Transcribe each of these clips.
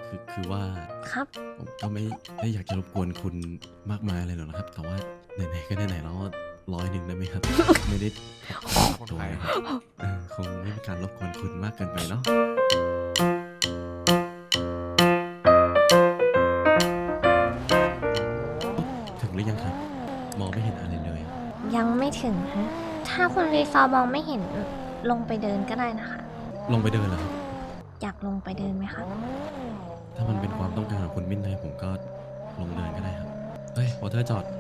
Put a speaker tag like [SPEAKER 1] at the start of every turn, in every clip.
[SPEAKER 1] คือว่า
[SPEAKER 2] ครับ
[SPEAKER 1] ผมก็ไม่ได้อยากจะรบกวนคุณมากมายอะไรหรอกนะครับ แต่ว่าไหนๆก็ไหนๆแล้ว100ได้ไหมครับ ไม่ได้ขอตัวนะครับคงไม่เป็นการรบกวนคุณมากเกินไปเนาะถึงหรือยังครับมองไม่เห็นอะไรเลยอะ
[SPEAKER 2] ยังไม่ถึงฮะถ้าคุณรีซอร์มองไม่เห็นลงไปเดินก็ได้นะคะ
[SPEAKER 1] ลงไปเดินเหรอครับ
[SPEAKER 2] อยากลงไปเดินไหมครับ
[SPEAKER 1] ถ้ามันเป็นความต้องการของคุณมิ้นท์ไนผมก็ลงเดินก็ได้ครับเฮ้ยวอเตอร์จอด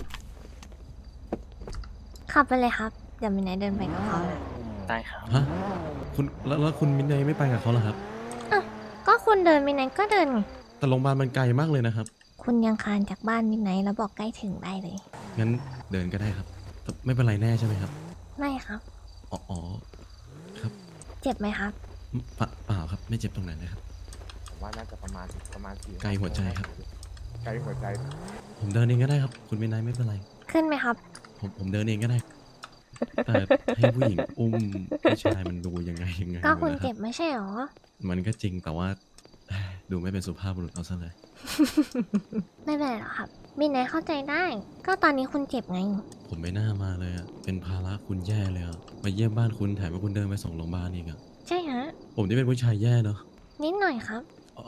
[SPEAKER 2] ขับไปเลยครับ เดี๋ยวมินไนท์เดินไปกับเขานะ
[SPEAKER 3] ได้ครับ
[SPEAKER 1] ฮะคุณแล้วคุณมิ้นท์ไนไม่ไปกับเขาเหรอครับ
[SPEAKER 2] อ้าวก็คุณเดินมินไนท์ก็เดินไง
[SPEAKER 1] แต่โรงพยาบาลมันไกลมากเลยนะครับ
[SPEAKER 2] คุณยังคลานจากบ้านมินไนท์แล้วบอกใกล้ถึงได้เลย
[SPEAKER 1] งั้นเดินก็ได้ครับแต่ไม่เป็นไรแน่ใช่ไหมครับ
[SPEAKER 2] ไม่ครับ
[SPEAKER 1] อ๋อครับ
[SPEAKER 2] เจ็บไหมครับ
[SPEAKER 1] เปล่าครับไม่เจ็บตรงไหนเลยครับ
[SPEAKER 3] ผมว่าน่าจะประมาณสี่
[SPEAKER 1] ไกลหัวใจครับ
[SPEAKER 3] ไกลหัวใจ
[SPEAKER 1] ผมเดินเองก็ได้ครับ คุณมิ้นท์ไนไม่เป็นไร
[SPEAKER 2] ขึ้นไหมครับ
[SPEAKER 1] ผมเดินเองก็ได้ แต่ให้ผู้หญิงอุ้มผู้ชายมันดูยังไง
[SPEAKER 2] ก็คุณ
[SPEAKER 1] นะค
[SPEAKER 2] เจ็
[SPEAKER 1] รับบ
[SPEAKER 2] ไม่ใช่หรอ
[SPEAKER 1] มันก็จริงแต่ว่าดูไม่เป็นสุภาพบุรุษเอาซะเลย
[SPEAKER 2] ไม่เป็นไรหรอกครับมินไนท์เข้าใจได้ ก็ตอนนี้คุณเจ็บไง
[SPEAKER 1] ผมไม่น่ามาเลยอะเป็นภาระคุณแย่เลยอะมาเยี่ยมบ้านคุณแถมให้คุณเดินไปส่งโรงพยาบาลอีกอะ
[SPEAKER 2] ใช่ฮะ
[SPEAKER 1] ผมที่เป็นผู้ชายแย่เนาะ
[SPEAKER 2] นิดหน่อยครับ
[SPEAKER 1] อ๋อ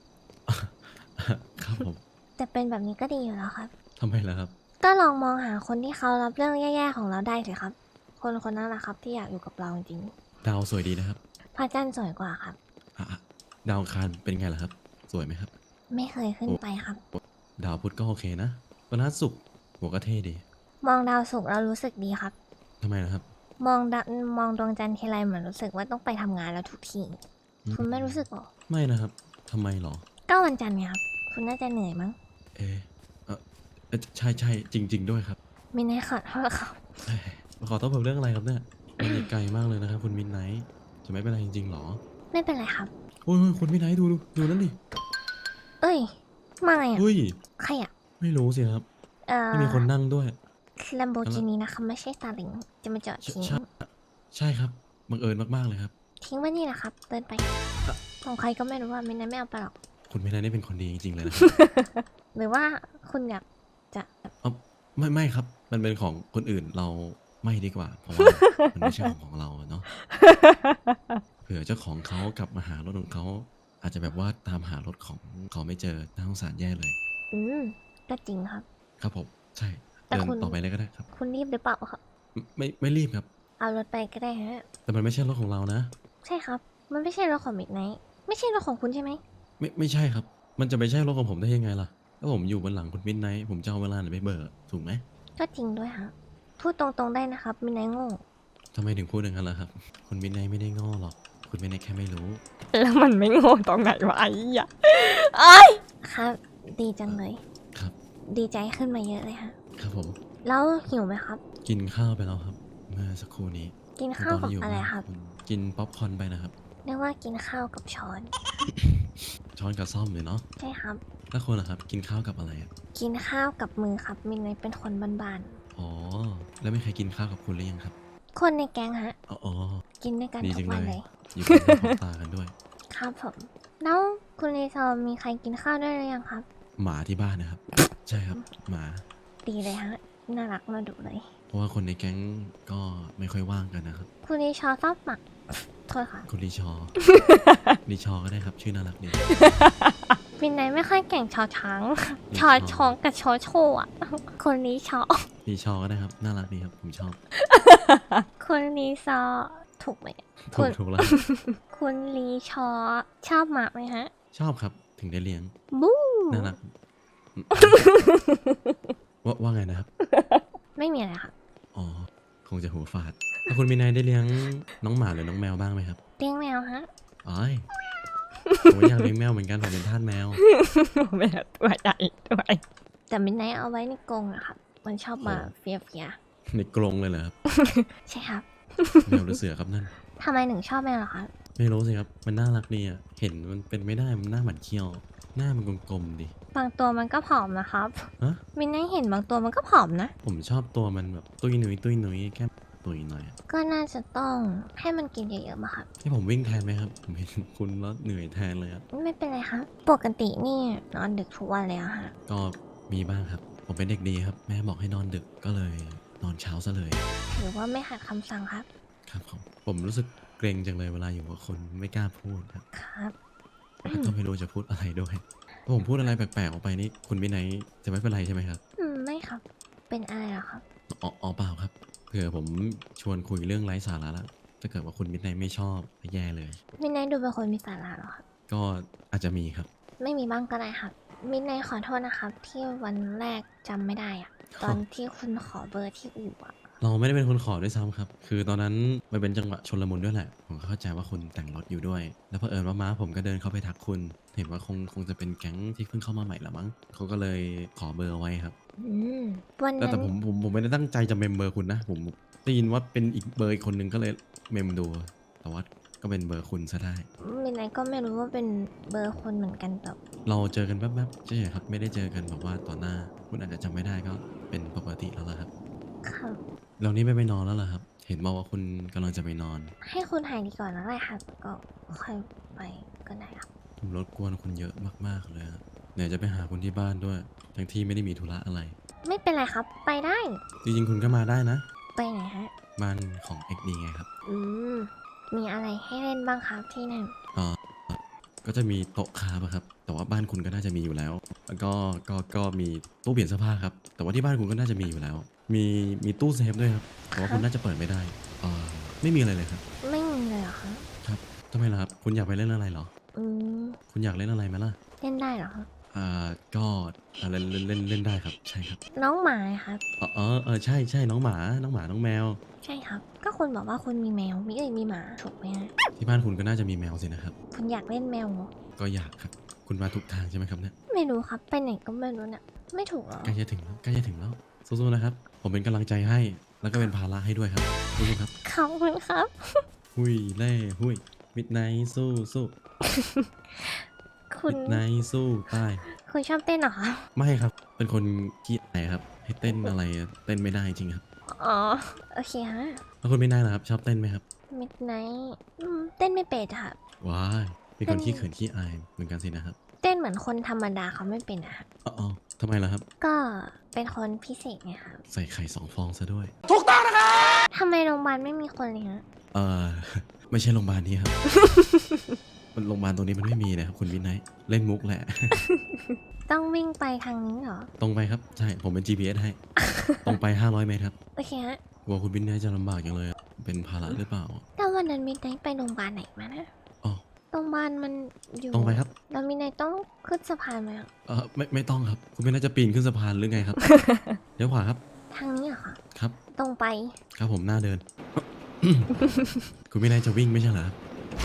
[SPEAKER 1] ครับผม
[SPEAKER 2] แต่เป็นแบบนี้ก็ดีอยู่แล้วครับ
[SPEAKER 1] ทำไมล่ะครับ
[SPEAKER 2] ก็ลองมองหาคนที่เขารับเรื่องแย่ๆของเราได้เลยครับ คนคนนั้นแหละครับที่อยากอยู่กับเราจริง
[SPEAKER 1] ดาวสวยดีนะครับ
[SPEAKER 2] พระจันทร์สวยกว่าครับ
[SPEAKER 1] อ่ะดาวอังคารเป็นไงล่ะครับ สวยไหมครับ
[SPEAKER 2] ไม่เคยขึ้นไปครับ
[SPEAKER 1] ดาวพุธก็โอเคนะวันนัดศุกร์หัวก็เท่ดี
[SPEAKER 2] มองดาวศุกร์เรารู้สึกดีครับ
[SPEAKER 1] ทำไมล่ะครับ
[SPEAKER 2] มองดวงจันทร์ทีไรเหมือนรู้สึกว่าต้องไปทำงานแล้วทุกที
[SPEAKER 1] อืม
[SPEAKER 2] คุณไม่รู้สึกหรอ
[SPEAKER 1] ไม่นะครับทำไมหรอ
[SPEAKER 2] ก็วันจันทร์ไงครับ คุณน่าจะเหนื่อยมั้ง
[SPEAKER 1] เอะใช่จริง ๆ ด้วยครับ
[SPEAKER 2] มินไนท์ขอโทษครับ
[SPEAKER 1] เอ้ยขอโทษผมเรื่องอะไรครับเนี่ยมันอีกไกลมากเลยนะครับ คุณมินไนท์จะไม่เป็นไรจริงๆหรอ
[SPEAKER 2] ไม่เป็นไรครับ
[SPEAKER 1] โอ้ยคุณมินไนท์ดูนั่นดิ
[SPEAKER 2] เอ้ย มาไงอ่ะ
[SPEAKER 1] เฮ้ย
[SPEAKER 2] ใครอ่ะ
[SPEAKER 1] ไม่รู้สิครับ ไม่มีคนนั่งด้วย
[SPEAKER 2] ลัมโบกินีนะคะไม่ใช่ซาเล้งจะมาจอดทิ้ง
[SPEAKER 1] ใช่ครับบังเอิญมากๆเลยครับ
[SPEAKER 2] ทิ้งไว้นี่แหละครับ เดินไป ของใครก็ไม่รู้ว่ามินไนท์ไม่เอาไปหรอก
[SPEAKER 1] คุณมินไนท์นี่เป็นคนดีจริงๆเลยนะครับ
[SPEAKER 2] หรือว่าคุณอยากจะ
[SPEAKER 1] ไม่ครับ มันเป็นของคนอื่นเราไม่ดีกว่า เพราะว่า มันไม่ใช่ของเราอะเนาะ เผื่อเจ้าของเขากลับมาหารถของเขา อาจจะแบบว่าตามหารถของเขาไม่เจอน่าสงสารแย่เลย
[SPEAKER 2] อืมก็จริงครับ
[SPEAKER 1] ครับผม ใช่
[SPEAKER 2] แต่
[SPEAKER 1] เดิน
[SPEAKER 2] คุณ
[SPEAKER 1] ต่อไปเลยก็ได้ครับ
[SPEAKER 2] คุณรีบหรือเปล่าครับ
[SPEAKER 1] ไม่รีบครับ
[SPEAKER 2] เอารถไปก็ได้ฮะ
[SPEAKER 1] แต่มันไม่ใช่รถของเรานะ
[SPEAKER 2] ใช่ครับ มันไม่ใช่รถของมิดไนท์ไม่ใช่รถของคุณใช่ไหม
[SPEAKER 1] ไม่ใช่ครับ มันจะไม่ใช่รถของผมได้ยังไงล่ะถ้าผมอยู่บนหลังคุณมินไนท์ผมจะเอาเวลาไหนไปเบิกถูกไหม
[SPEAKER 2] ก็จริงด้วยฮะพูดตรงๆได้นะครับมิดไนท์โง่
[SPEAKER 1] ทำไมถึงพูดอย่างนั้นล่ะครับ คุณมินไนท์ไม่ได้โง้อหรอก คุณมินไนท์แค่ไม่รู้
[SPEAKER 4] แล้วมันไม่โง่ตรงไหนวะไอ้ยะไอ้ย
[SPEAKER 2] ครับ ดีจังเลย
[SPEAKER 1] ครับ
[SPEAKER 2] ดีใจขึ้นมาเยอะเลยฮะ
[SPEAKER 1] ครับผม
[SPEAKER 2] แล้วหิวไหมครับ
[SPEAKER 1] กินข้าวไปแล้วครับ เมื่อสักครู่นี้
[SPEAKER 2] กินข้าวกับ
[SPEAKER 1] ตนที่ยู่
[SPEAKER 2] อะไรครับ
[SPEAKER 1] ณกินป๊อปคอร์นไปนะครับ
[SPEAKER 2] เรียกว่ากินข้าวกับช้อน
[SPEAKER 1] ช้อนกับซ่อมเลยเนาะ
[SPEAKER 2] ใช่ครับ
[SPEAKER 1] แล้วคุณล่ะครับ กินข้าวกับอะไรอะ
[SPEAKER 2] กินข้าวกับมือครับมิดไนท์เป็นคนบ้าน
[SPEAKER 1] อ๋อ แล้วไม่เคยกินข้าวกับคุณหรือยังครับ
[SPEAKER 2] ๆคนในแก๊งฮะ
[SPEAKER 1] อ๋อ
[SPEAKER 2] กินด้วยกัน
[SPEAKER 1] ดี
[SPEAKER 2] ทุ
[SPEAKER 1] จั
[SPEAKER 2] ก
[SPEAKER 1] ง
[SPEAKER 2] วัน
[SPEAKER 1] เล
[SPEAKER 2] เลย ย
[SPEAKER 1] อยู่กันหน้าของตากันด้วย
[SPEAKER 2] ครับผม แล้วคุณรีซอร์มีใครกินข้าวด้วยหรือยังครับ
[SPEAKER 1] หมาที่บ้านนะครับ ใช่ครับ หมา
[SPEAKER 2] ดีเลยฮะ น่ารักน่าดุเลย
[SPEAKER 1] เพราะว่าคนในแก๊งก็ไม่ค่อยว่างกันนะครับ
[SPEAKER 2] คุณรีชอร์ชอบหมัก โทษค่ะ
[SPEAKER 1] คุณรีชอ รีชอก็ได้ครับ ชื่อน่ารักดี
[SPEAKER 2] มินไนท์ไม่ค่อยเก่งชอช้าง
[SPEAKER 1] รี
[SPEAKER 2] ช
[SPEAKER 1] ช
[SPEAKER 2] อ
[SPEAKER 1] อ
[SPEAKER 2] ชองกับชอโชว์อะคนรีชอ
[SPEAKER 1] รีชอก็ได้ครับ น่ารักดีครับ ผมชอบ
[SPEAKER 2] คุณรีซอร์ถูกไหม
[SPEAKER 1] ถูกถูกแล้ว
[SPEAKER 2] คุณรีชอร์ชอบหมากไหมฮะ
[SPEAKER 1] ชอบครับ ถึงได้เลี้ยง
[SPEAKER 2] บู๊
[SPEAKER 1] น่ารัก ว่าไงนะครับ
[SPEAKER 2] ไม่มีอะไรค่ะ
[SPEAKER 1] อ๋อ คงจะหัวฟาดแล้วคุณมีนายได้เลี้ยงน้องหมาหรือน้องแมวบ้างไหมครับ
[SPEAKER 2] เลี้ยงแมวฮะ
[SPEAKER 1] อ๋อยผมอยากเลี้ยงแมวเหมือนกันผมเป็นทาสแมว
[SPEAKER 4] แม่ตัวใหญ่ด้วย
[SPEAKER 2] แต่มินไนท์เอาไว้ในกรงอะครับ มันชอบมา
[SPEAKER 1] โอ้
[SPEAKER 2] เฟีย
[SPEAKER 1] ในกรงเลยเหรอครับ
[SPEAKER 2] ๆใช่ครับ
[SPEAKER 1] แมวหรือเสือครับนั่น
[SPEAKER 2] ทำไมถึงชอบแมวเหรอคะ
[SPEAKER 1] ไม่รู้สิครับ มันน่ารักดีอ่ะ เห็นมันเป็นไม่ได้ มันหน้าหมันเคี้ยว หน้ามันกลมๆดิ
[SPEAKER 2] บางตัวมันก็ผอมนะครับ
[SPEAKER 1] ฮะ
[SPEAKER 2] มินไนท์เห็นบางตัวมันก็ผอมนะ
[SPEAKER 1] ผมชอบตัวมันแบบตุ้ยหนุยตุ้ยหนุยแค่ตุยหน่อยอะ
[SPEAKER 2] ก็น่าจะต้องให้มันกินเยอะๆมาครับ
[SPEAKER 1] ให้ผมวิ่งแทนไหมครับผมเห็นคุณแล้วเหนื่อยแทนเลยอะ
[SPEAKER 2] ไม่เป็นไรครับ ปกตินี่นอนดึกทุกวันเลยอะฮะ
[SPEAKER 1] ก็มีบ้างครับ ผมเป็นเด็กดีครับ แม่บอกให้นอนดึกก็เลยนอนเช้าซะเลย
[SPEAKER 2] ถือว่าไม่ขัดคำสั่งครับ
[SPEAKER 1] ครับผมรู้สึกเกรงจังเลยเวลาอยู่กับคนไม่กล้าพูดครับ
[SPEAKER 2] ครับ
[SPEAKER 1] แล้วก็ไม่รู้จะพูดอะไรด้วยถ้าผมพูดอะไรแปลกๆออกไปนี่คุณวินัยจะไม่เป็นไรใช่ไหมครับ
[SPEAKER 2] ไม่ครับ เป็นอะไรเหรอครับ
[SPEAKER 1] อ๋อเปล่าครับเผื่อผมชวนคุยเรื่องไร้สาระแล้วถ้าเกิดว่าคุณวินัยไม่ชอบแย่เลย
[SPEAKER 2] มินไนท์ดูเป็นคนมีสาระเหรอครับ
[SPEAKER 1] ก็อาจจะมีครับ
[SPEAKER 2] ไม่มีบ้างก็ได้ครับ มินไนท์ขอโทษนะครับ ที่วันแรกจำไม่ได้อะตอนที่คุณขอเบอร์ที่อู่อะ
[SPEAKER 1] เราไม่ได้เป็นคนขอด้วยซ้ำครับ คือตอนนั้นมันเป็นจังหวะชลมุนด้วยแหละ ผมเข้าใจว่าคุณแต่งรถอยู่ด้วย แล้วเผอิญว่าม้าผมก็เดินเข้าไปทักคุณ เห็นว่าคงจะเป็นแก๊งที่เพิ่งเข้ามาใหม่ละมั้งเขาก็เลยขอเบอร์เอาไว้ครับ
[SPEAKER 2] วัน
[SPEAKER 1] แต่
[SPEAKER 2] นั้น
[SPEAKER 1] แต่ผมไม่ได้ตั้งใจจะเมมเบอร์คุณนะ ผมได้ยินว่าเป็นอีกเบอร์อีกคนนึงก็เลยเมมดู แต่ว่าก็เป็นเบอร์คุณซะได้
[SPEAKER 2] มินไนท์ก็ไม่รู้ว่าเป็นเบอร์คนเหมือนกันแต่
[SPEAKER 1] เราเจอกันแป๊บๆใช่ครับ ไม่ได้เจอกันแบบว่าต่อหน้า คุณอาจจะจำไม่ได้ก็เป็นปกติแล้วล่ะครับ
[SPEAKER 2] ครับ
[SPEAKER 1] เรานี่ไม่ไปนอนแล้วเหรอครับ เห็นบอกว่าคุณกำลังจะไปนอน
[SPEAKER 2] ให้คุณหายดีก่อนแล้วแหละค่ะก็ค่อยไปก็ได้ครับ
[SPEAKER 1] ผมรบกวนคุณเยอะมากๆเลยอะไหนจะไปหาคุณที่บ้านด้วย ทั้งที่ไม่ได้มีธุระอะไร
[SPEAKER 2] ไม่เป็นไรครับ ไปได้
[SPEAKER 1] จริงๆคุณก็มาได้นะ
[SPEAKER 2] ไปไหนฮะ
[SPEAKER 1] บ้านของ XD ไงครับ
[SPEAKER 2] มีอะไรให้เล่นบ้างครับที่นั่น
[SPEAKER 1] ก็จะมีโต๊ะคาบอะครับ แต่ว่าบ้านคุณก็น่าจะมีอยู่แล้ว แล้วก็มีตู้เปลี่ยนเสื้อผ้าครับ แต่ว่าที่บ้านคุณก็น่าจะมีอยู่แล้ว มีตู้เซฟด้วยครับ แต่ว่าคุณน่าจะเปิดไม่ได้ไม่มีอะไรเลยครับ
[SPEAKER 2] ไม่มีเลยเหรอคะ
[SPEAKER 1] ครับทำไมล่ะครับ คุณอยากไปเล่นอะไรเหรอ
[SPEAKER 2] อืม
[SPEAKER 1] คุณอยากเล่นอะไรไหมล่ะ
[SPEAKER 2] เล่นได้เหรอครับ
[SPEAKER 1] ก็เล่นได้ครับ ใช่ครับ
[SPEAKER 2] น้องหมาครับ
[SPEAKER 1] ใช่น้องหมาน้องแมว
[SPEAKER 2] ใช่ครับ ก็คุณบอกว่าคุณมีแมวมีหมาถูกไหมฮะ
[SPEAKER 1] ที่บ้านคุณก็น่าจะมีแมวสินะครับ
[SPEAKER 2] คุณอยากเล่นแมวเหรอ
[SPEAKER 1] ก็อยากครับ คุณมาถูกทางใช่ไหมครับเนี่ย
[SPEAKER 2] ไม่รู้ครับ ไปไหนก็ไม่รู้เนี่ยไม่ถูกเหรอ
[SPEAKER 1] ใกล้จะถึงแล้วสู้ๆนะครับ ผมเป็นกำลังใจให้ แล้วก็เป็นภาระให้ด้วยครับสู้ๆครับ
[SPEAKER 2] ขอบคุณครับ
[SPEAKER 1] หุยเล่หุยมิดไนท์สู้
[SPEAKER 2] คุณ
[SPEAKER 1] มิดไนท์สู้ตาย
[SPEAKER 2] คุณชอบเต้นเหรอคะ
[SPEAKER 1] ไม่ครับ เป็นคนขี้อายครับ ให้เต้นอะไรเต้นไม่ได้จริงครับ
[SPEAKER 2] อ๋อ โอเคฮะ
[SPEAKER 1] แล้วคุณไม่ได้เหรอครับ ชอบเต้นไหมครับ
[SPEAKER 2] มิดไนท์เต้นไม่เป็นค่ะ
[SPEAKER 1] ว้ายเป็นคนขี้เขินขี้อายเหมือนกันสินะครับ
[SPEAKER 2] เต้นเหมือนคนธรรมดาเขาไม่เป็นอะค่ะ
[SPEAKER 1] อ๋อทำไมล่ะครับ
[SPEAKER 2] ก็เป็นคนพิเศษไงครับ
[SPEAKER 1] ใส่ไข่2 ฟองซะด้วย
[SPEAKER 2] ทำไมโรงพยาบาลไม่มีคนเลยฮะ
[SPEAKER 1] เออ ไม่ใช่โรงพยาบาลนี้ครับ มันโรงพยาบาลตรงนี้มันไม่มีนะครับคุณวินัยเล่นมุกแหละ
[SPEAKER 2] ต้องวิ่งไปทางนี้เหรอ
[SPEAKER 1] ตรงไปครับ ใช่ ผมเป็น GPS ให้ ตรงไป 500 เมตรครับ
[SPEAKER 2] โอเคฮะ
[SPEAKER 1] กลัวคุณวินัยจะลำบากอย่างเลยอะเป็นภาระหรือเปล่า
[SPEAKER 2] แล้ววันนั้นมิดไนท์ไปโรงพยาบาลไหนมานะ
[SPEAKER 1] อ๋อ
[SPEAKER 2] โรงพยาบาลมันอยู่
[SPEAKER 1] ตรงไปครับ
[SPEAKER 2] แล้วมิดไนท์ต้องขึ้นสะพานไหมอะ
[SPEAKER 1] ไม่ต้องครับ คุณวินัยจะปีนขึ้นสะพานหรือไงครับ เดี๋ยวขวาครับ
[SPEAKER 2] ทางนี้เหรอคะ
[SPEAKER 1] ครับ
[SPEAKER 2] ตรงไป
[SPEAKER 1] ครับผมหน้าเดิน คุณวินัยจะวิ่งไม่ใช่เหรอครับ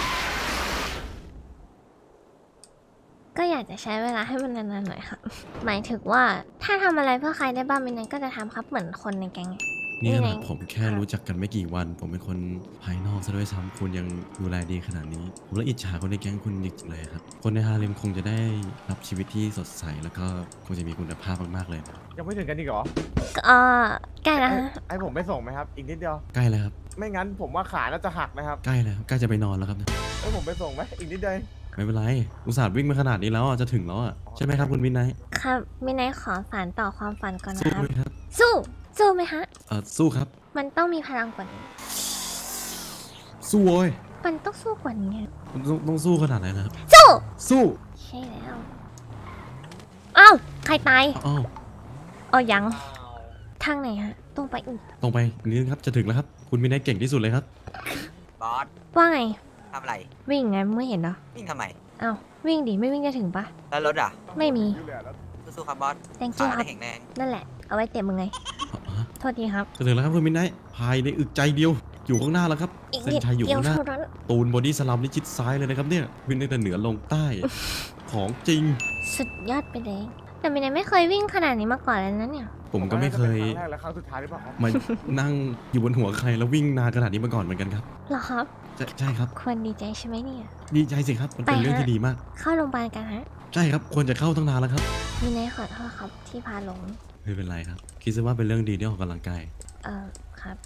[SPEAKER 2] ก็อยากจะใช้เวลาให้มันนานๆหน่อยครับ หมายถึงว่าถ้าทำอะไรเพื่อใครได้บ้างมิดไนท์ก็จะทำครับเหมือนคนในแก๊งไง
[SPEAKER 1] นี่ข
[SPEAKER 2] นี่ไง
[SPEAKER 1] นาดผมแค่รู้จักกันไม่กี่วัน ผมเป็นคนภายนอกซะด้วยซ้ำคุณยังดูแลดีขนาดนี้ ผมละอิจฉาคนในแก๊งคุณจริงๆเลยครับ คนในฮาเร็มคงจะได้รับชีวิตที่สดใสแล้วก็คงจะมีคุณภาพมากๆเลยนะ
[SPEAKER 3] ยังไม่ถึงกันอีกเหรอ
[SPEAKER 2] ก็ใกล้แล้วฮะ
[SPEAKER 3] ให้ผมไปส่งไหมครับ อีกนิดเดียว
[SPEAKER 1] ใกล้แล้วครับ
[SPEAKER 3] ไม่งั้นผมว่าขาน่าจะหักนะครับ
[SPEAKER 1] ใกล้แล้วครับใกล้จะไปนอนแล้วครับเนี่ย
[SPEAKER 3] ให้ผมไปส่งไหมอีกนิดเดียวเอง
[SPEAKER 1] ไม่เป็นไร อุตส่าห์วิ่งมาขนาดนี้แล้วอ่ะจะถึงแล้วอ่ะใช่ไหมครับคุณวินัย
[SPEAKER 2] ครับมิดไนท์ขอสานต่อความฝันก่อนนะ
[SPEAKER 1] สู้
[SPEAKER 2] ครับ
[SPEAKER 1] ไหมครับ
[SPEAKER 2] สู้ สู้ไหมฮะ
[SPEAKER 1] สู้ครับ
[SPEAKER 2] มันต้องมีพลังกว่านี้
[SPEAKER 1] สู้โว้ย
[SPEAKER 2] มันต้องสู้กว่านี้
[SPEAKER 1] คุณต้องสู้ขนาดไหนนะครับ
[SPEAKER 2] สู้
[SPEAKER 1] สู้
[SPEAKER 2] ใช่แล้ว อ้าว ใครตาย
[SPEAKER 1] อ้าว
[SPEAKER 2] อ๋อยัง ทางไหนฮะ ตรงไปอีก
[SPEAKER 1] ตรงไปนิดนึงครับจะถึงแล้วครับ คุณวินัยเก่งที่สุดเลยครับ
[SPEAKER 5] บอส
[SPEAKER 2] ว่าไง
[SPEAKER 5] ทำอะไร
[SPEAKER 2] วิ่งไงไม่เห็นเหรอ
[SPEAKER 5] วิ่งทำไม
[SPEAKER 2] อ้าว วิ่งดิ ไม่วิ่งจะถึงปะ
[SPEAKER 5] แล้วรถอ่ะ
[SPEAKER 2] ไม่มี
[SPEAKER 5] สู้ๆครับบอส
[SPEAKER 2] thank
[SPEAKER 5] ขา
[SPEAKER 2] you ครั
[SPEAKER 5] ได้
[SPEAKER 2] บ
[SPEAKER 5] แข็งแรง
[SPEAKER 2] นั่นแหละ เอาไว้เตะมึงไง
[SPEAKER 1] อ๋อ
[SPEAKER 2] โทษทีครับ
[SPEAKER 1] จะถึงแล้วครับคุณวินัยภายในอึกใจเดียว อยู่ข้างหน้าแล้วครับ
[SPEAKER 2] อีก
[SPEAKER 1] เส้น
[SPEAKER 2] นิด
[SPEAKER 1] ชัยอยู่
[SPEAKER 2] เดียว
[SPEAKER 1] ข้างหน้า
[SPEAKER 2] เท่านั้น
[SPEAKER 1] ตูนบอดี้สลัมนี่ชิดซ้ายเลยนะครับเนี่ยวิ่งตั้งแต่เหนือลงใต้ ของจริง
[SPEAKER 2] สุดยอดไปเลย แต่มินายไม่เคยวิ่งขนาดนี้มาก่อนเลยนะเนี่ย
[SPEAKER 1] ผมก็ไม่เคย
[SPEAKER 3] ครั้งแรกและครั้งสุดท้ายหรือเปล่าครับ
[SPEAKER 1] มานั่งอยู่บนหัวใครแล้ววิ่งนานขนาดนี้มาก่อนเหมือนกันครับ
[SPEAKER 2] เหรอครับ
[SPEAKER 1] ใช่ครับ
[SPEAKER 2] ควรดีใจใช่ไหมเนี่ย
[SPEAKER 1] ดีใจสิครับมันเป็น
[SPEAKER 2] ไปฮะ
[SPEAKER 1] เรื่องที่ดีมาก
[SPEAKER 2] เข้าโรงพยาบาลกันฮะ
[SPEAKER 1] ใช่ครับควรจะเข้าตั้งนานแล้วครับ
[SPEAKER 2] มินายขอโทษครับที่พาหลง
[SPEAKER 1] ไม่เป็นไรครับคิดซะว่าเป็นเรื่องดีที่ออกกำลังกาย
[SPEAKER 2] ครับ
[SPEAKER 1] ผ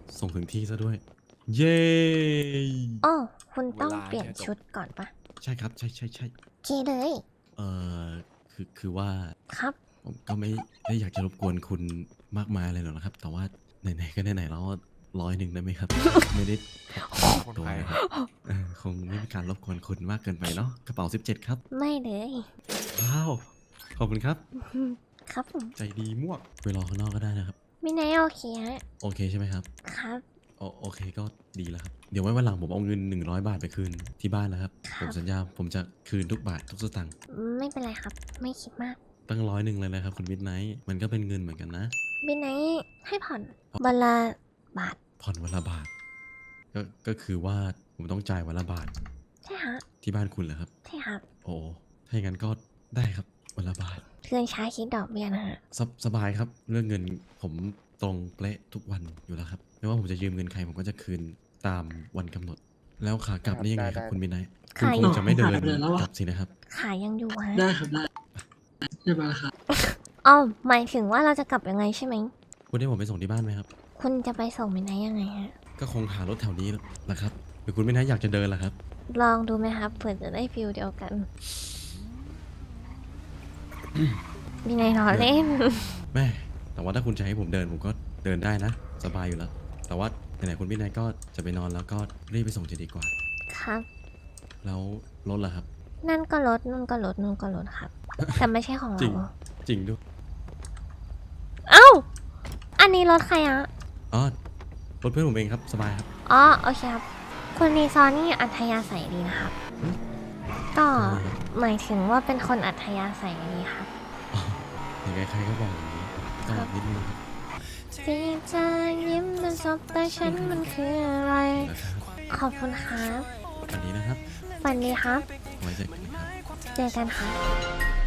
[SPEAKER 1] ส่งถึงที่ซะด้วย เย้
[SPEAKER 2] โอ้คุณต้องเปลี่ยนชุดก่อนปะ
[SPEAKER 1] ใช่ครับ ใช่ใช่ใช่
[SPEAKER 2] โอเคเลย
[SPEAKER 1] เอ่อคือว่า
[SPEAKER 2] ครับ
[SPEAKER 1] ผมก็ไม่ได้อยากจะรบกวนคุณมากมายเลยหรอกนะครับ แต่ว่าไหนๆก็ไหนๆแล้ว100ได้ไหมครับ ไม่ได้พกติดตัวนะครับคงไม่มีการรบกวนคุณมากเกินไปเนาะกระเป๋า 17 ครับ
[SPEAKER 2] ไม่เลย
[SPEAKER 1] ว้าว ขอบคุณครับ
[SPEAKER 2] ครับผม
[SPEAKER 1] ใจดีมวกไปรอข้างนอกก็ได้นะครับ
[SPEAKER 2] มินายโอเคฮะ
[SPEAKER 1] โอเคใช่ไหมครับ
[SPEAKER 2] ครับ
[SPEAKER 1] โอเคก็ดีแล้วครับ เดี๋ยวไว้วันหลังผมเอาเงิน100 บาทไปคืนที่บ้านนะครับ
[SPEAKER 2] ครับ
[SPEAKER 1] ผมสัญญาผมจะคืนทุกบาททุกสตางค์
[SPEAKER 2] ไม่เป็นไรครับ ไม่คิดมาก
[SPEAKER 1] ตั้ง100เลยนะครับคุณมิดไนท์มันก็เป็นเงินเหมือนกันนะ
[SPEAKER 2] มินายให้ผ่อนวันละบาท
[SPEAKER 1] ผ่อนวันละบาท ก็คือว่าผมต้องจ่ายวันละบาท
[SPEAKER 2] ใช่ฮะ
[SPEAKER 1] ที่บ้านคุณเหรอครับ
[SPEAKER 2] ใช่ครับ
[SPEAKER 1] โอ้ถ้าอย่างนั้นก็ได้ครับวันละบาท
[SPEAKER 2] เพื่อนช้าคิดดอกเบี้ยนะฮะ
[SPEAKER 1] สบายครับ เรื่องเงินผมตรงเป๊ะทุกวันอยู่แล้วครับ ไม่ว่าผมจะยืมเงินใครผมก็จะคืนตามวันกำหนด แล้วขากลับนี่ยังไงครับคุณมิดไนท์คุณ
[SPEAKER 2] ขา
[SPEAKER 1] คงจะไม่เดิน
[SPEAKER 6] เดินแล้วอะ
[SPEAKER 1] กลับสินะครับ
[SPEAKER 2] ขายังอยู่ฮะ
[SPEAKER 6] ได้ครับได้เรียบร้อยครับ
[SPEAKER 2] อ๋อหมายถึงว่าเราจะกลับยังไงใช่ไหม
[SPEAKER 1] คุณให้ผมไปส่งที่บ้านไหมครับ
[SPEAKER 2] คุณจะไปส่งมินายยังไงฮะ
[SPEAKER 1] ก็คงหารถแถวนี้แหละครับ หรือคุณมิดไนท์อยากจะเดินล่ะครับ
[SPEAKER 2] ลองดูไหมครับเผื่อจะได้ฟิลเดียวกันมินายรอเล่น
[SPEAKER 1] แม่ แต่ว่าถ้าคุณจะให้ผมเดินผมก็เดินได้นะ สบายอยู่แล้ว แต่ว่าไหนๆคุณมิดไนท์ก็จะไปนอนแล้วก็รีบไปส่งจะดีกว่า
[SPEAKER 2] ครับ
[SPEAKER 1] แล้วรถล่ะครับ
[SPEAKER 2] นั่นก็รถนู่นก็รถนู่นก็รถครับ แต่ไม่ใช่ของ
[SPEAKER 1] จริ
[SPEAKER 2] เรา
[SPEAKER 1] ง จริงด้วย
[SPEAKER 2] เอ้า อันนี้รถใครอะ
[SPEAKER 1] อ๋อรถเพื่อนผมเองครับ สบายครับ
[SPEAKER 2] อ๋อโอเคครับคุณรีซอร์นี่อัธยาศัยดีนะครับ ก็หมายถึงว่าเป็นคนอัธยาศัยดีครับ
[SPEAKER 1] ยังไงใครก็บอกอย่างนี้ก็นิดนึงครับ
[SPEAKER 2] ที่จะยิ้มและสบตาฉันมันคืออะไร
[SPEAKER 1] นะครับ
[SPEAKER 2] ขอบคุณครับ
[SPEAKER 1] วันนี้นะครับ
[SPEAKER 2] ฝันดีครับ
[SPEAKER 1] ไว้เจอกันนะครับ
[SPEAKER 2] เจอกันครับ